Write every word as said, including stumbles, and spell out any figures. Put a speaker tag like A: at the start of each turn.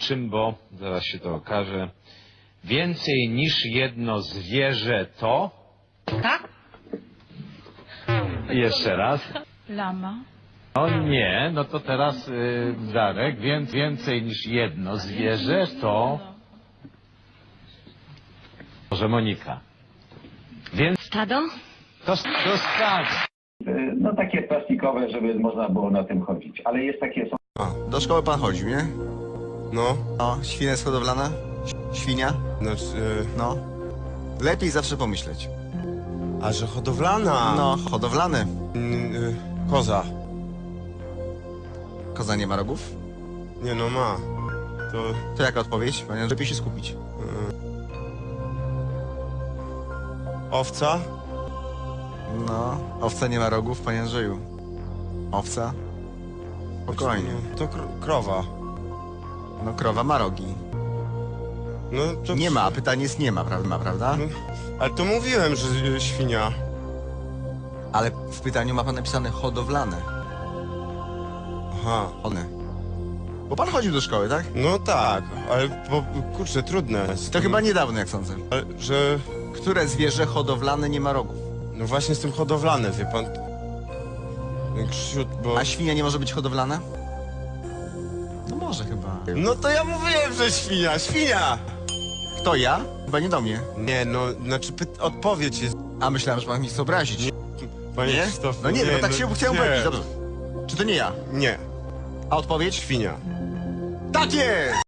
A: Czym, bo zaraz się to okaże. Więcej niż jedno zwierzę to...
B: Tak?
A: Jeszcze raz.
B: Lama.
A: O nie, no to teraz y, Darek. Wię, więcej niż jedno zwierzę to... Może Monika. Więc
C: Stado?
A: to, to stado.
D: No takie plastikowe, żeby można było na tym chodzić. Ale jest takie, są
E: A, do szkoły pan chodził, nie?
F: No,
E: No, świnia jest hodowlana? Świnia?
F: znaczy...
E: No. Lepiej zawsze pomyśleć.
F: A, że hodowlana.
E: No, hodowlane.
F: Mm, y, koza.
E: Koza nie ma rogów?
F: Nie no, ma. To...
E: To jaka odpowiedź? Panie, lepiej się skupić.
F: Y, owca?
E: No, owca nie ma rogów, panie Andrzeju. Owca? Spokojnie.
F: No, to kro krowa.
E: No, krowa ma rogi.
F: No to...
E: Nie ma, pytanie jest nie ma, prawda? Ma, prawda?
F: No, ale to mówiłem, że y, świnia.
E: Ale w pytaniu ma pan napisane hodowlane.
F: Aha.
E: One. Bo pan chodził do szkoły, tak?
F: No tak, ale bo, kurczę, trudne. Z
E: To
F: tym,
E: chyba niedawno, jak sądzę.
F: ale, że...
E: Które zwierzę hodowlane nie ma rogów?
F: No właśnie z tym hodowlane, wie pan. Krzut, bo...
E: A świnia nie może być hodowlana? No może chyba.
F: No to ja mówiłem, że świnia, świnia!
E: Kto ja? Chyba nie do mnie.
F: Nie, no, znaczy py- odpowiedź jest...
E: A myślałem, że pan mnie chce obrazić.
F: Panie
E: Nie?
F: Krzysztof,
E: No nie, no tak się chciałem
F: nie.
E: powiedzieć. Dobrze. Czy to nie ja?
F: Nie,
E: A odpowiedź?
F: świnia.
E: Tak jest!